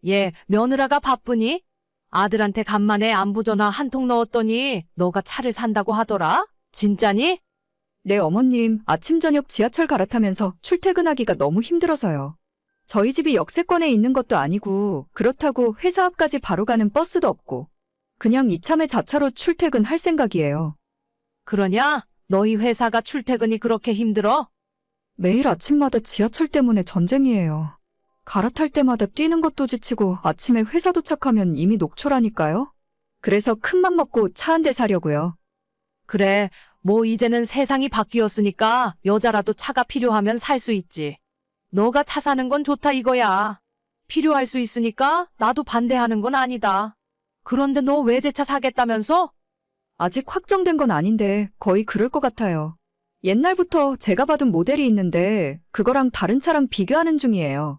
얘 며느라가 바쁘니? 아들한테 간만에 안부 전화 한 통 넣었더니 너가 차를 산다고 하더라? 진짜니? 네, 어머님, 아침 저녁 지하철 갈아타면서 출퇴근하기가 너무 힘들어서요. 저희 집이 역세권에 있는 것도 아니고 그렇다고 회사 앞까지 바로 가는 버스도 없고 그냥 이참에 자차로 출퇴근할 생각이에요. 그러냐? 너희 회사가 출퇴근이 그렇게 힘들어? 매일 아침마다 지하철 때문에 전쟁이에요. 갈아탈 때마다 뛰는 것도 지치고 아침에 회사 도착하면 이미 녹초라니까요. 그래서 큰맘 먹고 차 한 대 사려고요. 그래, 뭐 이제는 세상이 바뀌었으니까 여자라도 차가 필요하면 살 수 있지. 너가 차 사는 건 좋다 이거야. 필요할 수 있으니까 나도 반대하는 건 아니다. 그런데 너 외제차 사겠다면서? 아직 확정된 건 아닌데 거의 그럴 것 같아요. 옛날부터 제가 받은 모델이 있는데 그거랑 다른 차랑 비교하는 중이에요.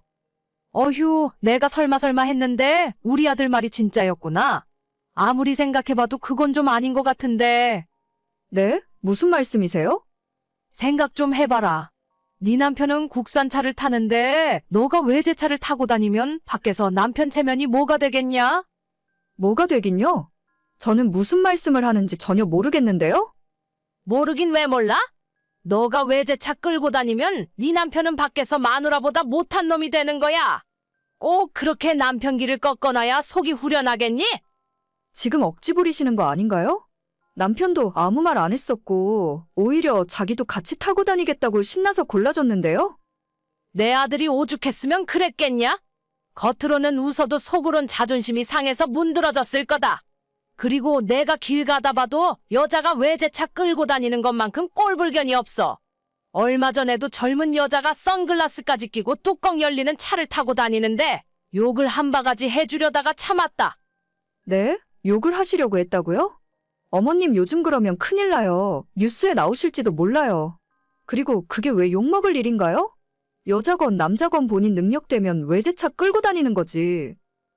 어휴, 내가 설마 했는데 우리 아들 말이 진짜였구나. 아무리 생각해봐도 그건 좀 아닌 것 같은데. 네? 무슨 말씀이세요? 생각 좀 해봐라. 네 남편은 국산차를 타는데 너가 외제차를 타고 다니면 밖에서 남편 체면이 뭐가 되겠냐? 뭐가 되긴요? 저는 무슨 말씀을 하는지 전혀 모르겠는데요? 모르긴 왜 몰라? 너가 외제차 끌고 다니면 네 남편은 밖에서 마누라보다 못한 놈이 되는 거야. 꼭 그렇게 남편 길을 꺾어놔야 속이 후련하겠니? 지금 억지 부리시는 거 아닌가요? 남편도 아무 말 안 했었고 오히려 자기도 같이 타고 다니겠다고 신나서 골라줬는데요? 내 아들이 오죽했으면 그랬겠냐? 겉으로는 웃어도 속으론 자존심이 상해서 문드러졌을 거다. 그리고 내가 길 가다 봐도 여자가 외제차 끌고 다니는 것만큼 꼴불견이 없어. 얼마 전에도 젊은 여자가 선글라스까지 끼고 뚜껑 열리는 차를 타고 다니는데 욕을 한 바가지 해주려다가 참았다. 네? 욕을 하시려고 했다고요? 어머님 요즘 그러면 큰일 나요. 뉴스에 나오실지도 몰라요. 그리고 그게 왜 욕먹을 일인가요? 여자건 남자건 본인 능력되면 외제차 끌고 다니는 거지.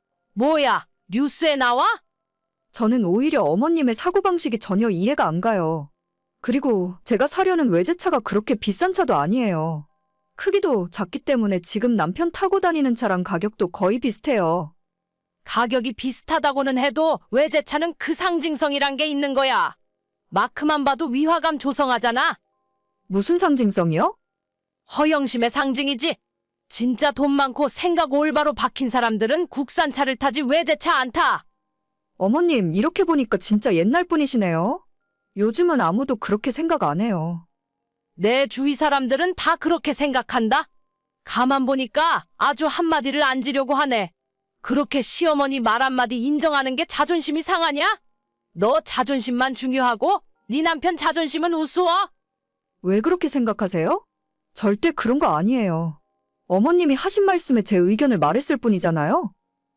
뭐야, 뉴스에 나와? 저는 오히려 어머님의 사고방식이 전혀 이해가 안 가요. 그리고 제가 사려는 외제차가 그렇게 비싼 차도 아니에요. 크기도 작기 때문에 지금 남편 타고 다니는 차랑 가격도 거의 비슷해요. 가격이 비슷하다고는 해도 외제차는 그 상징성이란 게 있는 거야. 마크만 봐도 위화감 조성하잖아. 무슨 상징성이요? 허영심의 상징이지. 진짜 돈 많고 생각 올바로 박힌 사람들은 국산차를 타지 외제차 안 타. 어머님, 이렇게 보니까 진짜 옛날 분이시네요. 요즘은 아무도 그렇게 생각 안 해요. 내 주위 사람들은 다 그렇게 생각한다. 가만 보니까 아주 한마디를 안 지려고 하네. 그렇게 시어머니 말 한마디 인정하는 게 자존심이 상하냐? 너 자존심만 중요하고 네 남편 자존심은 우스워? 왜 그렇게 생각하세요? 절대 그런 거 아니에요. 어머님이 하신 말씀에 제 의견을 말했을 뿐이잖아요.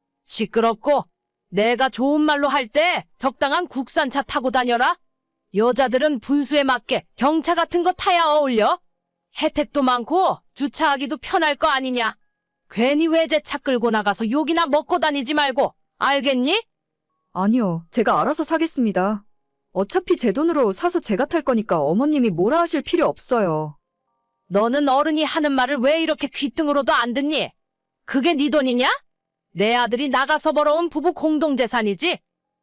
시끄럽고 내가 좋은 말로 할 때 적당한 국산차 타고 다녀라. 여자들은 분수에 맞게 경차 같은 거 타야 어울려. 혜택도 많고 주차하기도 편할 거 아니냐. 괜히 외제차 끌고 나가서 욕이나 먹고 다니지 말고 알겠니? 아니요, 제가 알아서 사겠습니다. 어차피 제 돈으로 사서 제가 탈 거니까 어머님이 뭐라 하실 필요 없어요. 너는 어른이 하는 말을 왜 이렇게 귓등으로도 안 듣니? 그게 네 돈이냐? 내 아들이 나가서 벌어온 부부 공동재산이지.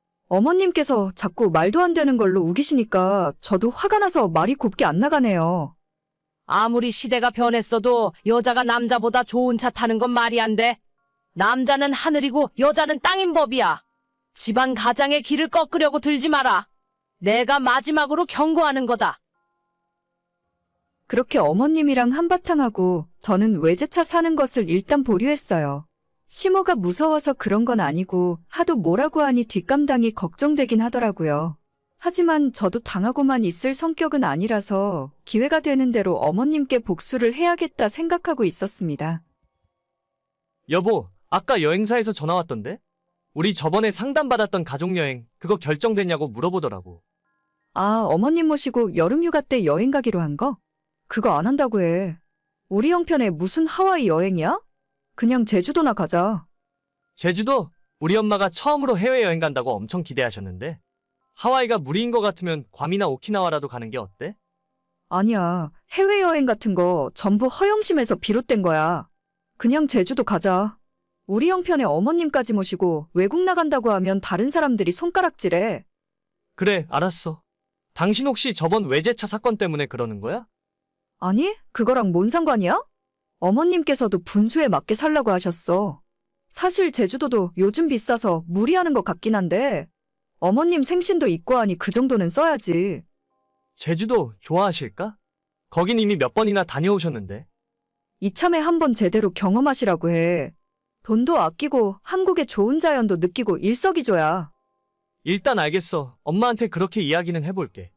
어머님께서 자꾸 말도 안 되는 걸로 우기시니까 저도 화가 나서 말이 곱게 안 나가네요. 아무리 시대가 변했어도 여자가 남자보다 좋은 차 타는 건 말이 안 돼. 남자는 하늘이고 여자는 땅인 법이야. 집안 가장의 길을 꺾으려고 들지 마라. 내가 마지막으로 경고하는 거다. 그렇게 어머님이랑 한바탕 하고 저는 외제차 사는 것을 일단 보류했어요. 시모가 무서워서 그런 건 아니고 하도 뭐라고 하니 뒷감당이 걱정되긴 하더라고요. 하지만 저도 당하고만 있을 성격은 아니라서 기회가 되는 대로 어머님께 복수를 해야겠다 생각하고 있었습니다. 여보, 아까 여행사에서 전화 왔던데? 우리 저번에 상담받았던 가족여행 그거 결정됐냐고 물어보더라고. 아, 어머님 모시고 여름휴가 때 여행 가기로 한 거? 그거 안 한다고 해. 우리 형편에 무슨 하와이 여행이야? 그냥 제주도나 가자. 제주도? 우리 엄마가 처음으로 해외여행 간다고 엄청 기대하셨는데 하와이가 무리인 것 같으면 괌이나 오키나와라도 가는 게 어때? 아니야, 해외여행 같은 거 전부 허영심에서 비롯된 거야. 그냥 제주도 가자. 우리 형편에 어머님까지 모시고 외국 나간다고 하면 다른 사람들이 손가락질해. 그래, 알았어. 당신 혹시 저번 외제차 사건 때문에 그러는 거야? 아니, 그거랑 뭔 상관이야? 어머님께서도 분수에 맞게 살라고 하셨어. 사실 제주도도 요즘 비싸서 무리하는 것 같긴 한데, 어머님 생신도 있고 하니 그 정도는 써야지. 제주도 좋아하실까? 거긴 이미 몇 번이나 다녀오셨는데. 이참에 한번 제대로 경험하시라고 해. 돈도 아끼고 한국의 좋은 자연도 느끼고 일석이조야. 일단 알겠어. 엄마한테 그렇게 이야기는 해볼게.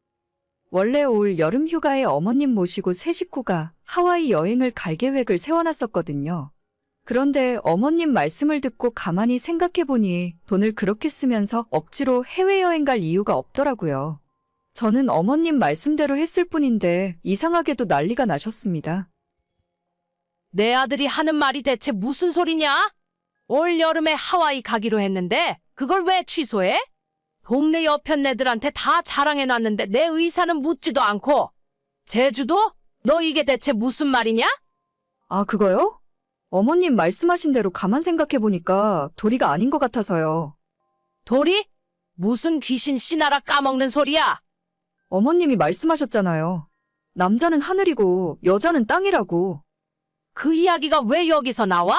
원래 올 여름 휴가에 어머님 모시고 세 식구가 하와이 여행을 갈 계획을 세워놨었거든요. 그런데 어머님 말씀을 듣고 가만히 생각해보니 돈을 그렇게 쓰면서 억지로 해외여행 갈 이유가 없더라고요. 저는 어머님 말씀대로 했을 뿐인데 이상하게도 난리가 나셨습니다. 내 아들이 하는 말이 대체 무슨 소리냐? 올 여름에 하와이 가기로 했는데 그걸 왜 취소해? 동네 여편네들한테 다 자랑해놨는데 내 의사는 묻지도 않고. 제주도? 너 이게 대체 무슨 말이냐? 아, 그거요? 어머님 말씀하신 대로 가만 생각해보니까 도리가 아닌 것 같아서요. 도리? 무슨 귀신 씨나라 까먹는 소리야? 어머님이 말씀하셨잖아요. 남자는 하늘이고 여자는 땅이라고. 그 이야기가 왜 여기서 나와?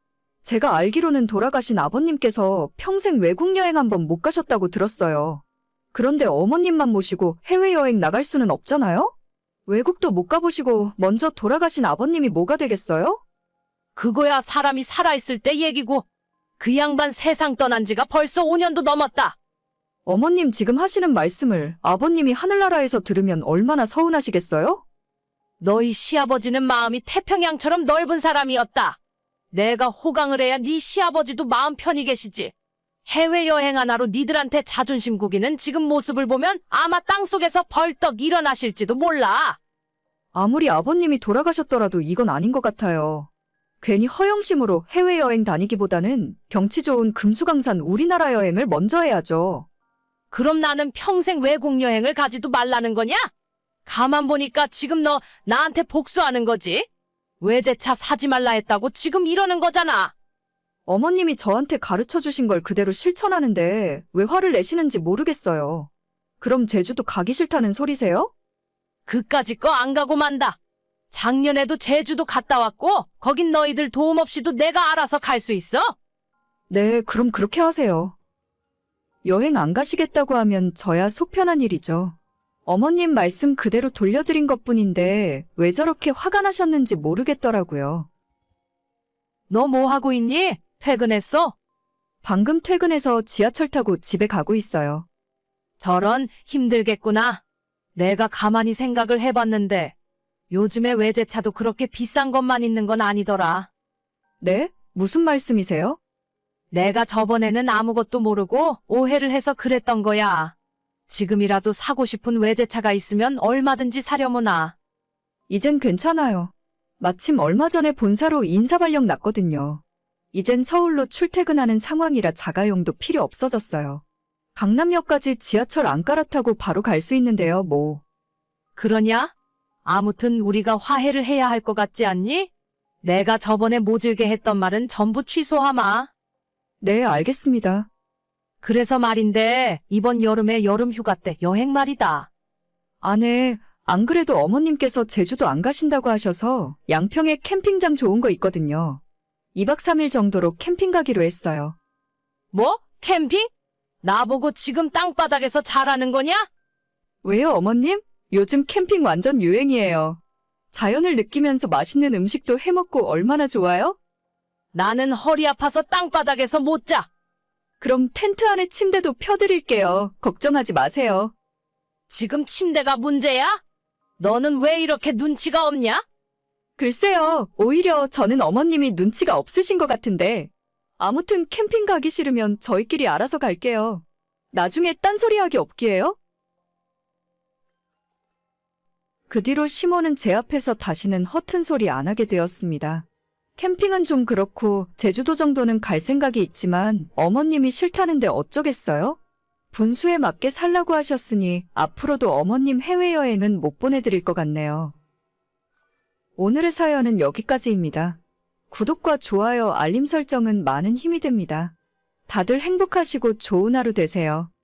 제가 알기로는 돌아가신 아버님께서 평생 외국 여행 한번 못 가셨다고 들었어요. 그런데 어머님만 모시고 해외여행 나갈 수는 없잖아요? 외국도 못 가보시고 먼저 돌아가신 아버님이 뭐가 되겠어요? 그거야 사람이 살아있을 때 얘기고 그 양반 세상 떠난 지가 벌써 5년도 넘었다. 어머님 지금 하시는 말씀을 아버님이 하늘나라에서 들으면 얼마나 서운하시겠어요? 너희 시아버지는 마음이 태평양처럼 넓은 사람이었다. 내가 호강을 해야 네 시아버지도 마음 편히 계시지. 해외여행 하나로 니들한테 자존심 구기는 지금 모습을 보면 아마 땅속에서 벌떡 일어나실지도 몰라. 아무리 아버님이 돌아가셨더라도 이건 아닌 것 같아요. 괜히 허영심으로 해외여행 다니기보다는 경치 좋은 금수강산 우리나라 여행을 먼저 해야죠. 그럼 나는 평생 외국 여행을 가지도 말라는 거냐? 가만 보니까 지금 너 나한테 복수하는 거지? 외제차 사지 말라 했다고 지금 이러는 거잖아. 어머님이 저한테 가르쳐 주신 걸 그대로 실천하는데 왜 화를 내시는지 모르겠어요. 그럼 제주도 가기 싫다는 소리세요? 그까짓 거 안 가고 만다. 작년에도 제주도 갔다 왔고 거긴 너희들 도움 없이도 내가 알아서 갈 수 있어. 네, 그럼 그렇게 하세요. 여행 안 가시겠다고 하면 저야 속 편한 일이죠. 어머님 말씀 그대로 돌려드린 것뿐인데 왜 저렇게 화가 나셨는지 모르겠더라고요. 너 뭐 하고 있니? 퇴근했어? 방금 퇴근해서 지하철 타고 집에 가고 있어요. 저런 힘들겠구나. 내가 가만히 생각을 해봤는데 요즘에 외제차도 그렇게 비싼 것만 있는 건 아니더라. 네? 무슨 말씀이세요? 내가 저번에는 아무것도 모르고 오해를 해서 그랬던 거야. 지금이라도 사고 싶은 외제차가 있으면 얼마든지 사려무나. 이젠 괜찮아요. 마침 얼마 전에 본사로 인사발령 났거든요. 이젠 서울로 출퇴근하는 상황이라 자가용도 필요 없어졌어요. 강남역까지 지하철 안 갈아타고 바로 갈 수 있는데요, 뭐. 그러냐? 아무튼 우리가 화해를 해야 할 것 같지 않니? 내가 저번에 모질게 했던 말은 전부 취소하마. 네, 알겠습니다. 그래서 말인데 이번 여름에 여름 휴가 때 여행 말이다. 아, 네. 안 그래도 어머님께서 제주도 안 가신다고 하셔서 양평에 캠핑장 좋은 거 있거든요. 2박 3일 정도로 캠핑 가기로 했어요. 뭐? 캠핑? 나보고 지금 땅바닥에서 잘하는 거냐? 왜요, 어머님? 요즘 캠핑 완전 유행이에요. 자연을 느끼면서 맛있는 음식도 해먹고 얼마나 좋아요? 나는 허리 아파서 땅바닥에서 못 자. 그럼 텐트 안에 침대도 펴드릴게요. 걱정하지 마세요. 지금 침대가 문제야? 너는 왜 이렇게 눈치가 없냐? 글쎄요, 오히려 저는 어머님이 눈치가 없으신 것 같은데. 아무튼 캠핑 가기 싫으면 저희끼리 알아서 갈게요. 나중에 딴소리하기 없기에요? 그 뒤로 시모는 제 앞에서 다시는 허튼 소리 안 하게 되었습니다. 캠핑은 좀 그렇고 제주도 정도는 갈 생각이 있지만 어머님이 싫다는데 어쩌겠어요? 분수에 맞게 살라고 하셨으니 앞으로도 어머님 해외여행은 못 보내드릴 것 같네요. 오늘의 사연은 여기까지입니다. 구독과 좋아요, 알림 설정은 많은 힘이 됩니다. 다들 행복하시고 좋은 하루 되세요.